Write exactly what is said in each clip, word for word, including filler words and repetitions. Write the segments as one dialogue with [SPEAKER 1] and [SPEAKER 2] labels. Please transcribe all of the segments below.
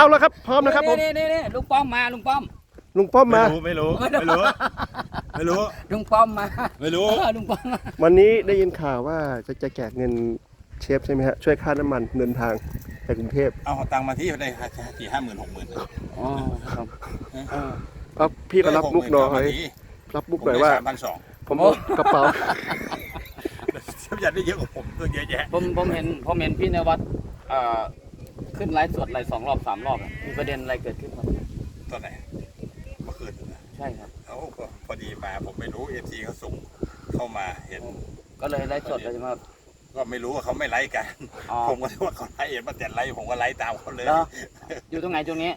[SPEAKER 1] เอาแล้วครับพร้อมนะครับผม
[SPEAKER 2] นี่นี่นี่ลุงป้อมมาลุงป้อม
[SPEAKER 1] ลุงป้อมมา
[SPEAKER 3] ไม่รู้ไม่รู้ไม่รู้ไม่รู้
[SPEAKER 2] ลุงป้อมมา
[SPEAKER 3] ไม่รู้
[SPEAKER 2] ลุงป้อมมา
[SPEAKER 1] วันนี้ได้ยินข่าวว่าจะจะแจกเงินเชฟใช่ไหมฮะช่วยค่าน้ำมันเดินทางไปกรุงเทพ
[SPEAKER 3] เอาตังค์มาที่ได้สี่ห้าหมื่นหกหมื่น
[SPEAKER 2] อ๋อครับ
[SPEAKER 1] เอาพี่ก็รับมุกหน่อยรับมุกหน่อยว่า
[SPEAKER 3] สามพันสอง
[SPEAKER 1] ผมเอากระเป๋า
[SPEAKER 3] เชฟยันได้เยอะกว่าผมตัวเยอะแยะ
[SPEAKER 2] ผมผมเห็นผมเห็นพี่นวัดเอ่อขึ้นไลฟ์สดไลฟ์สองรอบสามรอบอะมีประเด็นอะไรเกิดขึ้นครับ
[SPEAKER 3] ตอนไหนเมื่อคืน
[SPEAKER 2] ใช่ครับ
[SPEAKER 3] เขาพอดีมาผมไม่รู้เอฟซีเขาส่งเข้ามาเห็น
[SPEAKER 2] ก็เลยไลฟ์สดเลยใช่ไหมครับ
[SPEAKER 3] ก็ไม่รู้ว่าเขาไม่ไลค์กัน
[SPEAKER 2] อ๋อ
[SPEAKER 3] ผมก็คิดว่าเขาไลค์เห็นมาแต่ไลค์ผมก็ไลค์ตามเขาเลย
[SPEAKER 2] เหรอ อยู่ตรงไหนตรงนี้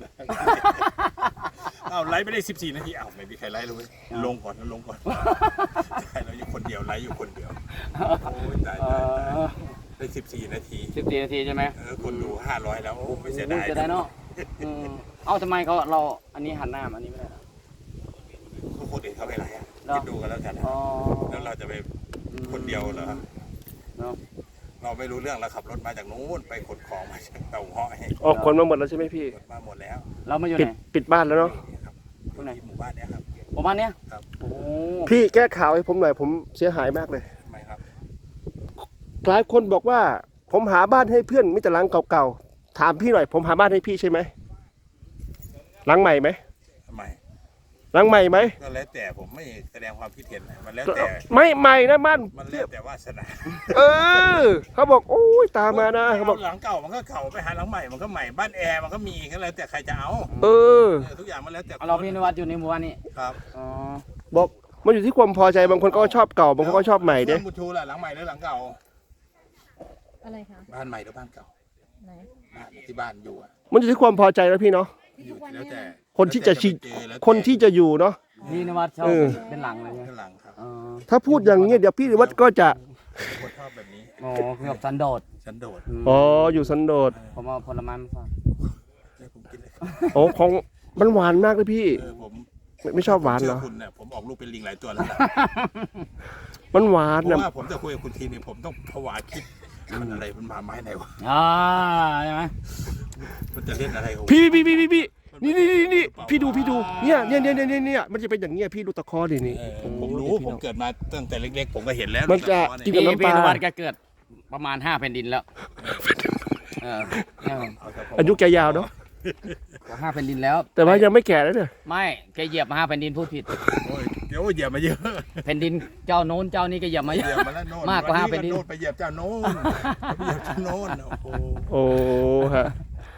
[SPEAKER 3] อ้าวไลค์ไม่ได้สิบสี่นาทีอ้าวไม่มีใครไลค์เลยลงก่อนลงก่อนใช่เราอยู่คนเดียวไลค์อยู่คนเดียวโอ้ยตาย
[SPEAKER 2] เอ
[SPEAKER 3] ตายตาย
[SPEAKER 2] อ
[SPEAKER 3] ได้สิบสี่นาที
[SPEAKER 2] สิบสี่นาทีใช่ไหม
[SPEAKER 3] เออคนดูห้าร้อยแล้วโอ้ไม่เสียดาย
[SPEAKER 2] จะได้เนาะอืมเอ้าทำไมเขาเราอันนี้หันหน้ามาอันนี้ไม่ได้เหรอ
[SPEAKER 3] ทุกคนเห็นเขาไม่ไลค์อ่ะ
[SPEAKER 2] เหรอ
[SPEAKER 3] คิดดูกันแล้วกัน
[SPEAKER 2] อ๋อ
[SPEAKER 3] แล้วเราจะไปคนเดียวเหรอ
[SPEAKER 2] เนาะ
[SPEAKER 3] เราไม่รู้เรื่องเราขับรถมาจากนู้นไปขนของมาจากเตาห้อย
[SPEAKER 1] ออกคนมาหมดแล้วใช่ไหมพี่
[SPEAKER 3] ขนมาหมดแล้ว
[SPEAKER 2] เรามาอยู่
[SPEAKER 1] ปิด
[SPEAKER 2] ไหน
[SPEAKER 1] ปิดบ้านแล้วเนาะ
[SPEAKER 3] นี่ครับ
[SPEAKER 2] ตรงไหน
[SPEAKER 3] ที่หมู่บ้านเนี้ยครับ
[SPEAKER 2] ประมาณเนี้ย
[SPEAKER 3] ครับ
[SPEAKER 2] โอ้
[SPEAKER 1] พี่แก้ข่าวให้ผมหน่อยผมเสียหายมากเลย
[SPEAKER 3] ทำไมครับ
[SPEAKER 1] หลายคนบอกว่าผมหาบ้านให้เพื่อนมิแต่หลังเก่าๆถามพี่หน่อยผมหาบ้านให้พี่ใช่ไหมหลังใหม่ไหม
[SPEAKER 3] ทำไม
[SPEAKER 1] หลังใหม่ไหม
[SPEAKER 3] ก็แล้วแต่ผมไม่แสดงความคิดเห็นนะมันแล้วแต่
[SPEAKER 1] ไม่ใหม่นะมัน
[SPEAKER 3] มันแล้วแต่วาสนา
[SPEAKER 1] เออเขาบอกโอ้ยตามมานะเขาบอก
[SPEAKER 3] หลังเก่ามันก็เก่าไปหาหลังใหม่มันก็ใหม่บ้านแอร์มันก็มีก็แล้วแต่ใครจะเอา
[SPEAKER 1] เออ
[SPEAKER 3] เออทุกอย่างมันแล้วแต่
[SPEAKER 2] เอาเราพี่นวัดอยู่ในหมู่บ้านนี้
[SPEAKER 3] ครับ
[SPEAKER 2] อ๋อ
[SPEAKER 1] บอกมันอยู่ที่ความพอใจบางคนก็ชอบเก่าบางคนก็ชอบใหม่เด้
[SPEAKER 3] เรื่องบุญชูล่ะหลังใหม่หรือหลังเก่า
[SPEAKER 4] อะไรคะ
[SPEAKER 3] บ้านใหม่หรือบ้านเก่า
[SPEAKER 4] ไหน
[SPEAKER 3] บ้านที่บ้านอยู่อะ
[SPEAKER 1] มันอยู่ที่ความพอใจแล้วพี่เนาะ
[SPEAKER 3] อยู่แล้วแต่
[SPEAKER 1] คนที่จะชิ
[SPEAKER 3] แล้วแต่แล้วแต่
[SPEAKER 1] คนที่จะอยู่เนาะ
[SPEAKER 2] พี่นวัดชอบ
[SPEAKER 1] เออ
[SPEAKER 2] เป็นหลังเลยใช่ไหม
[SPEAKER 3] ข้างหลังครับ
[SPEAKER 2] อ๋อ
[SPEAKER 1] ถ้าพูดอย่างนี้เดี๋ยวพี่วัดก็จะ
[SPEAKER 3] คนชอบแบบนี้
[SPEAKER 2] อ๋อคือแบบสันโดษ
[SPEAKER 3] ฉันโดด
[SPEAKER 2] ม
[SPEAKER 1] อ๋ออยู่สันโดษ
[SPEAKER 2] ผมเอาผลไม้มาฝาก
[SPEAKER 3] ให้ผมกินเลย
[SPEAKER 1] โอ้ของมันหวานมากเลยพี่
[SPEAKER 3] เออผม
[SPEAKER 1] ไม่ไม่ชอบหวานเหรอ
[SPEAKER 3] ชื่คุณเนี่ยผมออกลูกเป็นลิงหลายตัวแล้วล่ะ
[SPEAKER 1] มันหวาน
[SPEAKER 3] เพ
[SPEAKER 1] นะ
[SPEAKER 3] ราะว่าผมจะคุยกับคุณทีนี่ผมต้องผวาคิดมันอะไรมันมาไม้ไหนวะ
[SPEAKER 2] อ่าใช่ไหม
[SPEAKER 3] มันจะเล่นอะไรของ
[SPEAKER 1] พี่พี่พี่พี่พี่นี่นี่นี่นี่พี่ดูพี่ดูเนี่ยเนี่ยเนี่ยเนี่ยเนี่ยมันจะเป็นอย่างเงี้ยพี่ดูตะคอดินี่
[SPEAKER 3] เออผมรู้ผมเกิดมาตั้งแต่เล็กๆผมก็เห็นแล้ว
[SPEAKER 1] มันจะกิน
[SPEAKER 2] พี่
[SPEAKER 1] กับน้ำป
[SPEAKER 2] พี่
[SPEAKER 1] ลา
[SPEAKER 2] นวัดแกเกิดประมาณห้าแผ่นดินแล้วเออเออ
[SPEAKER 1] อายุแกยาวเนาะ
[SPEAKER 2] ห้าแผ่นดินแล้ว
[SPEAKER 1] แต่ว่ายังไม่แก่แล้วเนี่ย
[SPEAKER 2] ไม่แกเหยียบมาห้าแผ่นดินพูดผิด
[SPEAKER 3] โอ้ยเดี๋ยวเหยียบมาเยอะ
[SPEAKER 2] แผ่นดินเจ้าโน้นเจ้านี้ก็เหยียบมาเย
[SPEAKER 3] เหยีย
[SPEAKER 2] อะ
[SPEAKER 3] บมาแล้วโน่น
[SPEAKER 2] มากกว่าห้า
[SPEAKER 3] วั
[SPEAKER 2] แผ่นดิน
[SPEAKER 3] โน่นไปเหยียบเจ้าโน้นไปเหยียบเจ้าโน้นโอ้โห
[SPEAKER 1] โอ้ฮะ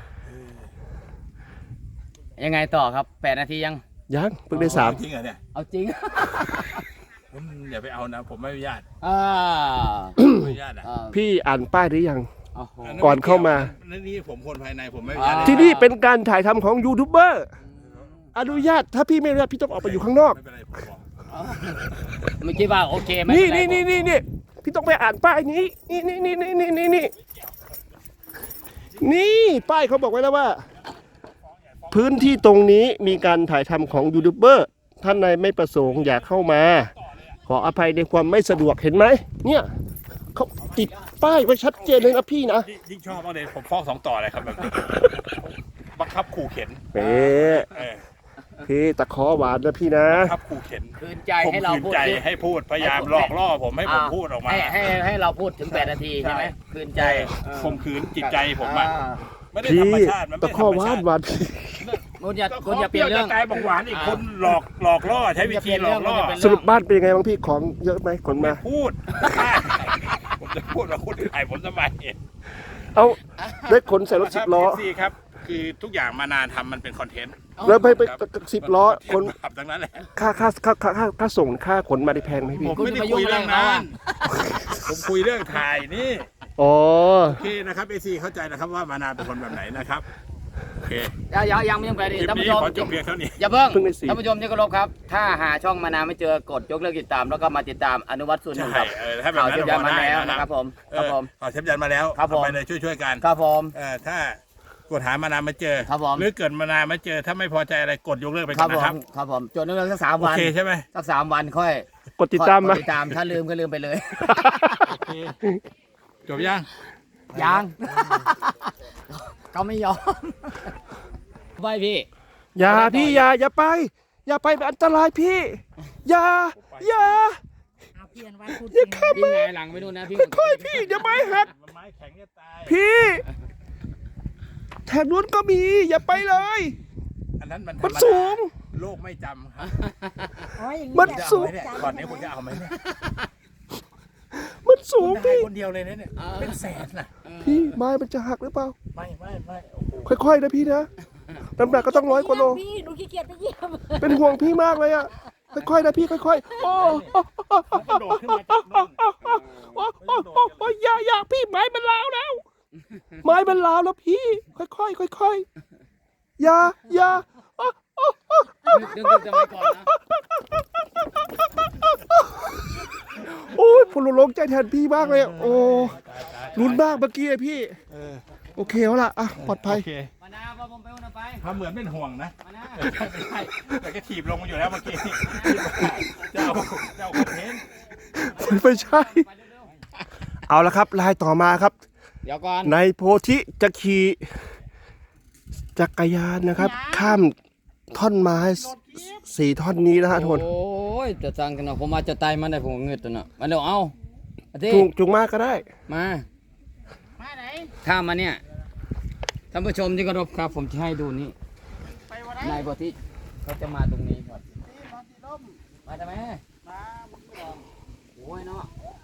[SPEAKER 2] ยังไงต่อครับแปดนาทียัง
[SPEAKER 1] ยังเพิ่งได้สาม
[SPEAKER 3] จริงเหรอเนี่ย
[SPEAKER 2] เอาจริง
[SPEAKER 3] ผมอย่าไปเอานะ ผมไม่อนุญาต
[SPEAKER 2] อ่า
[SPEAKER 3] ไม่อนุญาตอ่ะ
[SPEAKER 2] อ่า
[SPEAKER 1] พี่อ่านป้ายหรือยัง
[SPEAKER 2] โอ้โห
[SPEAKER 1] ก่อนเข้ามา
[SPEAKER 3] นั่นนี่ผมคนภายในผมไม่อนุญาต
[SPEAKER 2] อ่า
[SPEAKER 1] ที่นี่เป็นการถ่ายทำของยูทูบเบอร์อนุญาตถ้าพี่ไม่อนุญาตพี่ต้องออกไปอยู่ข้างนอก
[SPEAKER 3] ไม่เป็นไรผมบอก
[SPEAKER 2] เมื่อกี้ว่าโอเคไหม
[SPEAKER 1] นี่นี่นี่นี่นี่พี่ต้องไปอ่านป้ายนี้นี่นี่นี่นี่นี่นี่นี่นี่ป้ายเขาบอกไว้แล้วว่า พื้นที่ตรงนี้มีการถ่ายทำของยูทูบเบอร์ท่านใดไม่ประสงค์อยากเข้ามา ขออภัยในความไม่สะดวกเห็นไหมเนี่ยเขาติดป้ายไว้ชัดเจนเลยนะพี่นะ
[SPEAKER 3] ยิ่งชอบมากเลยผมฟ้องสองต่อเลยครับแบบนี้บังคับขู่เข็น
[SPEAKER 1] เป๊ะ
[SPEAKER 3] เออ
[SPEAKER 1] พี่ตะขอหวานนะพี่นะ
[SPEAKER 3] บังคับขู่เข็น
[SPEAKER 2] คืนใจ
[SPEAKER 3] ผม
[SPEAKER 2] ให้เรา
[SPEAKER 3] ขืน
[SPEAKER 2] พูด
[SPEAKER 3] ใจ
[SPEAKER 2] สิ
[SPEAKER 3] ให้พูดพยายามหลอกล่อผมให้ผมพูดออกมา
[SPEAKER 2] ให้ให้ให้เราพูดถึงแปดนาทีใช่ไหมคืนใจ
[SPEAKER 3] ข่มขืนจิตใจผมอ่ะไม่ได้
[SPEAKER 1] พี่
[SPEAKER 3] ธรรมชาติมัน
[SPEAKER 1] ตะ
[SPEAKER 3] ไม่
[SPEAKER 1] ขอ
[SPEAKER 3] ธรร
[SPEAKER 1] ห
[SPEAKER 3] ม
[SPEAKER 1] วา
[SPEAKER 3] ชาน ติ
[SPEAKER 1] หวาน
[SPEAKER 2] คุณอย่า
[SPEAKER 3] ก็
[SPEAKER 2] คุณอย่าเปลี่ยนเรื่อง
[SPEAKER 3] จะกลายบอกหวานอีกคนหลอกหลอกล่อใช้วิธีหลอกล่อ
[SPEAKER 1] สรุปบ้านเป็นยังไงบ้างพี่ของเยอะไหมขนมา
[SPEAKER 3] พูด ผมจะพูดว่าคุณถ่ายผมทำไม
[SPEAKER 1] เอาได้ขนใส่รถสิบล้อ
[SPEAKER 3] ซีครับคือทุกอย่างมานานทำมันเป็นคอนเทนต์
[SPEAKER 1] แล้วไปไปสิบล้อขน
[SPEAKER 3] ขับทั้งนั้นแหละ
[SPEAKER 1] ค่าค่าค่าค่าค่าค่าส่งค่าขนมาได้แพงไหมพี่
[SPEAKER 3] ผมไม่ได้คุยเรื่องนั้นผมคุยเรื่องถ่ายนี่
[SPEAKER 1] อ๋อ
[SPEAKER 3] โอเคนะครับเอซีเข้าใจนะครับว่ามานานเป็นคนแบบไหนนะครับโอเค
[SPEAKER 2] ยังยังยังไม่ยังไปดิ
[SPEAKER 3] คลิป
[SPEAKER 2] ท่านผู้
[SPEAKER 3] นี้
[SPEAKER 2] ชม
[SPEAKER 3] ขอจบเพียงเท่านี้
[SPEAKER 2] อย่าเพิ่ง
[SPEAKER 1] เพิ่งได้สี่
[SPEAKER 2] ท่านผู้ชมที่เคารพครับ ถ้าหาช่องมานาไม่เจอกดยกเลิกติดตาม แล้วก็มาติดตามอนุวัตรส่วนหนึ่ง
[SPEAKER 3] ใช่
[SPEAKER 2] ครับ
[SPEAKER 3] เออถ้าแบบ
[SPEAKER 2] ข่าว
[SPEAKER 3] นั้น
[SPEAKER 2] เทียบยันมา
[SPEAKER 3] พอได้
[SPEAKER 2] แล้ว
[SPEAKER 3] นะ
[SPEAKER 2] นะครับผม
[SPEAKER 3] เอ
[SPEAKER 2] ครับ
[SPEAKER 3] อ
[SPEAKER 2] ผม
[SPEAKER 3] ขอเชฟยันมาแล้ว
[SPEAKER 2] ครับผม
[SPEAKER 3] เอาไปเลยช่วยๆกัน
[SPEAKER 2] ครับผม
[SPEAKER 3] เออถ้ากดหามานานมาเจอ
[SPEAKER 2] ครับผม
[SPEAKER 3] หรือเกิดมานานมาเจอถ้าไม่พอใจอะไรกดยกเลิกไป
[SPEAKER 2] ค
[SPEAKER 3] ก่
[SPEAKER 2] รั
[SPEAKER 3] อบ น
[SPEAKER 2] ผ
[SPEAKER 3] นะครับ
[SPEAKER 2] มครับผมจดยกเลิกสักสาม
[SPEAKER 3] โอ
[SPEAKER 2] วัน
[SPEAKER 3] เคใช่ไหม
[SPEAKER 2] สักสามวันค่อย
[SPEAKER 1] กดติดตาม
[SPEAKER 2] ก
[SPEAKER 1] มา
[SPEAKER 2] ดติดตามถ้าลืมก็ลืมไปเลย
[SPEAKER 3] จบยัง
[SPEAKER 2] ยัง เขาไม่ยอมไปพี่
[SPEAKER 1] อย่าพี่อย่าอย่าไป อย่าไปมันอันตรายพี่ อย่าอย่า
[SPEAKER 4] เอาเปลี่ยนวันพุธ
[SPEAKER 1] อย่าข้าม
[SPEAKER 2] พี่ไงหลังไปดูนะพี่
[SPEAKER 1] ค่อยๆพี่อย่าไม้หัก
[SPEAKER 3] มันไม้แข็งจะตาย
[SPEAKER 1] พี่แถบนู้นก็มีอย่าไปเลย
[SPEAKER 3] อันนั้นมัน
[SPEAKER 1] มันสูง
[SPEAKER 3] โลกไม่จำครับ
[SPEAKER 4] อ๋ออย่าง
[SPEAKER 1] มัน
[SPEAKER 4] อยาก
[SPEAKER 1] สูง
[SPEAKER 3] จะเอาไหมเนี่ยก่อนนี้คุณจะเอาไหมเนี่ย
[SPEAKER 1] มันสู
[SPEAKER 3] คุ
[SPEAKER 1] ง
[SPEAKER 3] ณได้
[SPEAKER 1] พี่
[SPEAKER 3] คนเดียวเลยนะเนี่ยเป็นแสนนะ
[SPEAKER 1] พี่ไม้มันจะหักหรือเปล่า
[SPEAKER 3] ไม่ไม่ไม่โอ้โห
[SPEAKER 1] ค่อยๆนะพี่นะน้ำหนักก็ต้องร้อยกว่าโล
[SPEAKER 4] พี่หนูขี้เกียจไปเยี่ยม
[SPEAKER 1] เป็นห่วงพี่มากเลยอ่ะค่อยๆนะพี่ค่อยๆโอ้
[SPEAKER 3] มันกระโดดขึ้นมาจากนู่น
[SPEAKER 1] โอ้โอ้โอ้โอ้อย่าอย่าพี่ไม้มันล้าวแล้ว ไม้มันล้าวแล้วพี่ ค่อยๆค่อยๆอย่าอย่าโอ้โอ้โอ้
[SPEAKER 2] ดึงดึงจะไปก่อนนะ
[SPEAKER 1] โอ้ยผมหลงใจแทนพี่มากเลยอะโอ้ลุ้นมากเมื่อกี้อะพี่
[SPEAKER 3] เออ
[SPEAKER 1] โอเคแล้วล่ะอ่ะปลอดภัย
[SPEAKER 3] โเค
[SPEAKER 2] มานาพอผมไปอุ่นไป
[SPEAKER 3] ทำเหมือนเป็นห่วงนะ
[SPEAKER 2] มานา
[SPEAKER 3] ไม่ใช่ไม่ใช่แต่ก็ถีบลงมาอยู่แล้วเมื่อกี้เจ้าเจ้าคอนเทนต์
[SPEAKER 1] ไม่ใช่
[SPEAKER 2] ไปเร็ว
[SPEAKER 1] เอาละครับลายต่อมาครับ
[SPEAKER 2] ๆเดี๋ยวก่อน
[SPEAKER 1] ในโพธิจะขี่จักรยานนะครับ ข้ามท่อนไม้สี่ท่อนนี้นะฮะทุกคน
[SPEAKER 2] โอ้ยจะสั่งกันเนาะผมมาจะตายมันได้ผมเงืดตัวเนาะมาเดี๋ยวเอาอาทิ
[SPEAKER 1] จุงจุงมากก็ได้
[SPEAKER 2] มามาไหนข้ามมาเนี่ยท่านผู้ชมที่เคารพครับผมจะให้ดูนี่นายบทที่เขาจะมาตรงนี้ก่อนมาทำไมมาโอ้ยเนาะ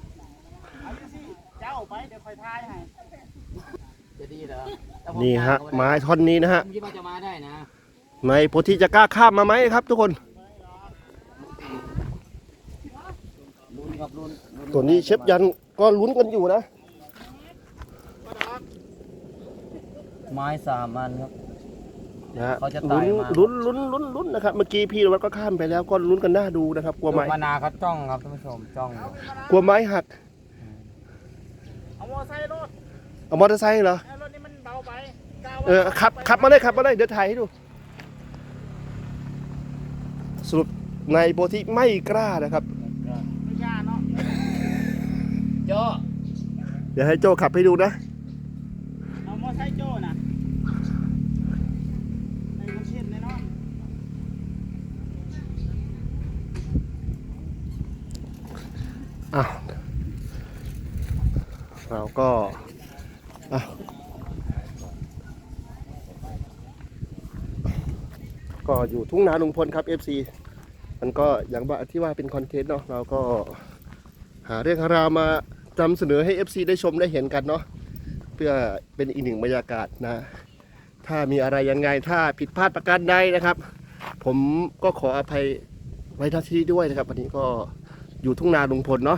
[SPEAKER 2] เจ้าไปเดี๋ยวคอยทายให้จะดีเหรอแต่ผม
[SPEAKER 1] นี่ฮะ
[SPEAKER 2] กล้าเข้า
[SPEAKER 1] ไม้ท่อนนี้นะฮะ
[SPEAKER 2] ผมคิดว่าจะมาได้นะ
[SPEAKER 1] ในโพธิจะกล้าข้ามมาไหมครับทุกคน
[SPEAKER 2] ลุ้นครับลุ้นลุ้
[SPEAKER 1] ตัวนี้เชฟยันก็ลุ้นกันอยู่นะ
[SPEAKER 2] ไม้สามอันครับ
[SPEAKER 1] นะฮะ
[SPEAKER 2] เขาจะตาย
[SPEAKER 1] ลุ้น
[SPEAKER 2] มา
[SPEAKER 1] ลุ้นลุ้นลุ้นลุ้นนะครับเมื่อกี้พี่นวัดก็ข้ามไปแล้วก็ลุ้นกันหน้าดูนะครับกลัวไม้
[SPEAKER 2] มานาเขาจ้องครับท่านผู้ชมจ้องอยู่
[SPEAKER 1] กลัวไม้หัก
[SPEAKER 5] เอามอไซค์รถ
[SPEAKER 1] เอามอเตอร์ไซค์เหรอ
[SPEAKER 5] เอารถนี้มันเบาไปกาว
[SPEAKER 1] เออขับขับมาเลยขับมาเลยเดี๋ยวถ่ายให้ดู สรุปในโพธิไม่กล้านะครับ
[SPEAKER 5] ไม่กล้าเนาะ
[SPEAKER 2] โจ้
[SPEAKER 1] เดี๋ยวให้โจขับให้ดูนะ
[SPEAKER 5] เอามอไซค์โจ้น่ะในคนเช่นแน่นอน
[SPEAKER 1] อ่ะเราก็อ่ะก็อยู่ทุ่งนาลุงพลครับ เอฟ ซี มันก็อย่างว่าที่ว่าเป็นคอนเทนต์เนาะเราก็หาเรื่องหาราวมานำเสนอให้ เอฟ ซี ได้ชมได้เห็นกันเนาะเพื่อเป็นอีกหนึ่งบรรยากาศนะ ถ้ามีอะไรยังไงถ้าผิดพลาดประการใดนะครับ ผมก็ขออภัยไว้ณที่นี้ด้วยนะครับวันนี้ก็อยู่ทุ่งนาลุงพลเนาะ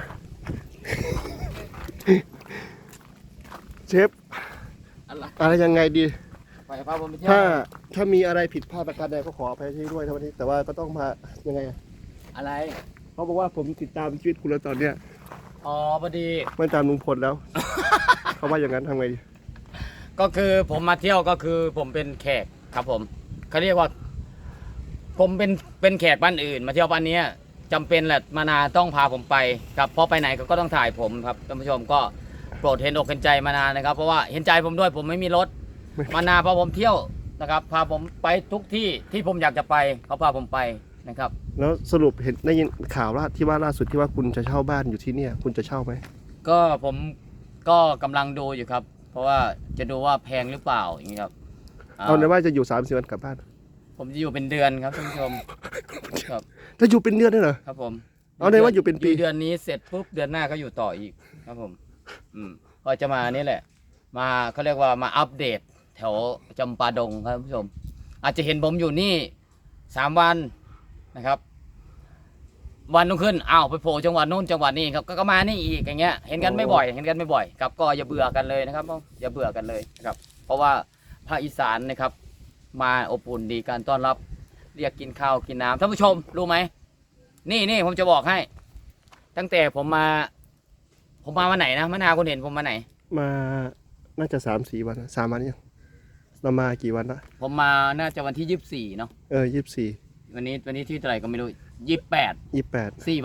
[SPEAKER 1] เชฟ
[SPEAKER 2] อะไร
[SPEAKER 1] อะไรยังไงดี
[SPEAKER 2] ไปพาผมไปเที่ยว
[SPEAKER 1] ถ้าถ้ามีอะไรผิดพลาดประการใดก็ขออภัยที่ด้วยนะวันนี้ แต่ว่าก็ต้องมายังไงอะ
[SPEAKER 2] อะไร
[SPEAKER 1] เขาบอกว่าผมติดตามชีวิตคุณแล้วตอนเนี้ย
[SPEAKER 2] อ๋อพอดี
[SPEAKER 1] ไม่ตามลุงพลแล้ว เขาว่าอย่างนั้นทำไงดี
[SPEAKER 2] ก็คือผมมาเที่ยวก็คือผมเป็นแขกครับผมเขาเรียกว่า ผมเป็นเป็นแขกบ้านอื่น มาเที่ยวบ้านเนี้ยจำเป็นแหละมานาต้องพาผมไปครับเพราะไปไหนเขาก็ต้องถ่ายผมครับท่านผู้ชมก็โปรดเห็นอกเห็นใจมานานะครับเพราะว่าเห็นใจผมด้วยผมไม่มีรถ มานาพาผมเที่ยวนะครับ พาผมไปทุกที่ที่ผมอยากจะไปเขาพาผมไปนะครับ
[SPEAKER 1] แล้วสรุปเห็นได้ยินข่าวว่าที่ว่าล่าสุดที่ว่าคุณจะเช่าบ้านอยู่ที่เนี่ย คุณจะเช่าไหม
[SPEAKER 2] ก็ผมก็กำลังดูอยู่ครับ เพราะว่าจะดูว่าแพงหรือเปล่าอย่างนี้ครับ
[SPEAKER 1] เอาในว่าจะอยู่สามสิบวันกลับบ้าน
[SPEAKER 2] ผมจะอยู่เป็นเดือนครับท่านผู้ชมครับ
[SPEAKER 1] ถ้าอยู่เป็นเดือนได้เหรอ
[SPEAKER 2] ครับผม
[SPEAKER 1] เอาเลยว่าอยู่เป็นปี
[SPEAKER 2] เดือนนี้เสร็จปุ๊บเดือนหน้าก็อยู่ต่ออีกครับผมอืมก็จะมานี่แหละ มาเขาเรียกว่ามาอัปเดต แถวจำปาดงครับท่านผู้ชม อาจจะเห็นผมอยู่นี่สามวันนะครับ วันนุ่งขึ้นอ้าวไปโผล่จังหวัดนู้นจังหวัดนี้ครับก็ก็มานี่อีกอย่างเงี้ยเห็นกันไม่บ่อยเห็นกันไม่บ่อยครับก็อย่าเบื่อกันเลยนะครับอย่าเบื่อกันเลยนะครับ เพราะว่าภาคอีสานนะครับ มาอบอุ่นดีการต้อนรับเรียกกินข้าวกินน้ำท่านผู้ชมรู้ไหมนี่นี่ผมจะบอกให้ ตั้งแต่ผมมา ผมมาวันไหนนะมะนาวคุณเห็นผมมาไหน
[SPEAKER 1] มาน่าจะสามสี่วันนะสามวันยังเรามากี่วันละ
[SPEAKER 2] ผมมาน่าจะวันที่ยี่สิบสี่เนาะ
[SPEAKER 1] เออยี่สิบสี่
[SPEAKER 2] วันนี้วันนี้ที่เท่าไหร่ก็ไม่รู้ยี่สิบแปด
[SPEAKER 1] ยี่สิบแปด
[SPEAKER 2] สี่วัน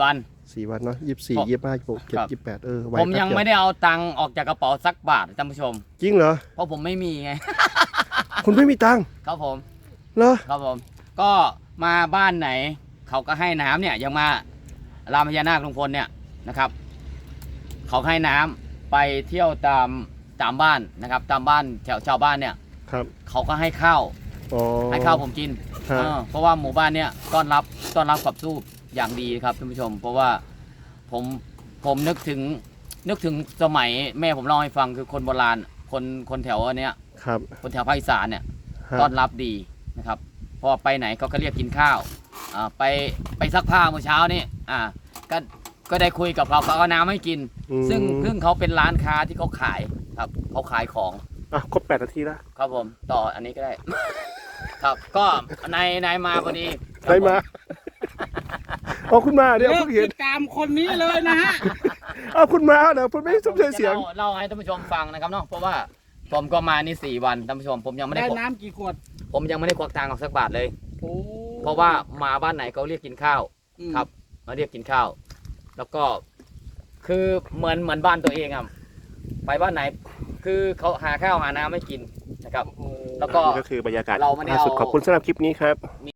[SPEAKER 1] สี่วันเนาะยี่สิบสี่
[SPEAKER 2] ผม
[SPEAKER 1] ยี่สิบห้ายี่สิบหกเจ็ด
[SPEAKER 2] ครับ
[SPEAKER 1] ยี่สิบแปดเออไว
[SPEAKER 2] ผมยัง
[SPEAKER 1] แป๊บเดีว
[SPEAKER 2] ไม่ได้เอาตังค์ออกจากกระเป๋าสักบาทท่านผู้ชม
[SPEAKER 1] จริงเหรอ
[SPEAKER 2] เพราะผมไม่มีไง
[SPEAKER 1] คุณไม่มีตังค์
[SPEAKER 2] ครับผม
[SPEAKER 1] เหรอ
[SPEAKER 2] ครับผมก็มาบ้านไหน เขาก็ให้น้ำเนี่ยยังมารามพญานาคลุงพลเนี่ยนะครับ เขาให้น้ำไปเที่ยวตามตามบ้านนะครับ ตามบ้านแถวชาวบ้านเนี่ย
[SPEAKER 1] ครับ
[SPEAKER 2] เขาก็ให้ข้าว
[SPEAKER 1] อ๋อ
[SPEAKER 2] ให้ข้าวผมกิน
[SPEAKER 1] ฮะ
[SPEAKER 2] เออเพราะว่าหมู่บ้านเนี่ยต้อนรับต้อนรับกับสู้อย่างดีครับท่านผู้ชม เพราะว่าผมผมนึกถึงนึกถึงสมัยแม่ผมเล่าให้ฟังคือคนโบราณคนคนแถวอันเนี้ย
[SPEAKER 1] ครับ
[SPEAKER 2] คนแถวภาคอีสานเนี่ย
[SPEAKER 1] ฮะ
[SPEAKER 2] ต้อนรับดีนะครับพอไปไหนเขาก็เรียกกินข้าวอ่าไปไปซักผ้าเมื่อเช้านี่อ่าก็ก็ได้คุยกับเขาเขาเอาน้ำให้กิน
[SPEAKER 1] อืม
[SPEAKER 2] ซึ่งซึ่งเขาเป็นร้านค้าที่เขาขายครับเขาขายของ
[SPEAKER 1] อ่ะครบแปดนาทีแล้ว
[SPEAKER 2] ครับผมต่ออันนี้ก็ได้ ครับก็นายนายมาพอดี
[SPEAKER 1] ใครมาเอาคุณมาเดี๋ยว
[SPEAKER 5] เลิ
[SPEAKER 1] เพิ่
[SPEAKER 5] ก
[SPEAKER 1] งเห็
[SPEAKER 5] ติ
[SPEAKER 1] น
[SPEAKER 5] ดตามคนนี้เลยนะฮะ
[SPEAKER 1] เอาคุณมาเดี๋ยวผมไม่สมใจเสียง
[SPEAKER 2] ผมจะเล่าเล่าให้ท่านผู้ชมฟังนะครับเนาะเพราะว่าผมก็มานี่สี่วันท่านผู้ชม ผมยังไม่ได้
[SPEAKER 5] ได้
[SPEAKER 2] ควัก
[SPEAKER 5] น้ำกี่ขวด
[SPEAKER 2] ผมยังไม่ได้ควักตังค์ออกสักบาทเลย
[SPEAKER 5] โอ้
[SPEAKER 2] เพราะว่ามาบ้านไหนเขาเรียกกินข้าว
[SPEAKER 5] อืม
[SPEAKER 2] ครับ มาเรียกกินข้าว แล้วก็คือเหมือนเหมือนบ้านตัวเองอ่ะไปบ้านไหน คือเขาหาข้าวหาน้ำไม่กินนะครับ แล้วก็
[SPEAKER 1] นี่ก็คือบรรยากาศ
[SPEAKER 2] เราไม่ได้
[SPEAKER 1] ล่าสุด
[SPEAKER 2] เอา
[SPEAKER 1] ขอบคุณสำหรับคลิปนี้ครับ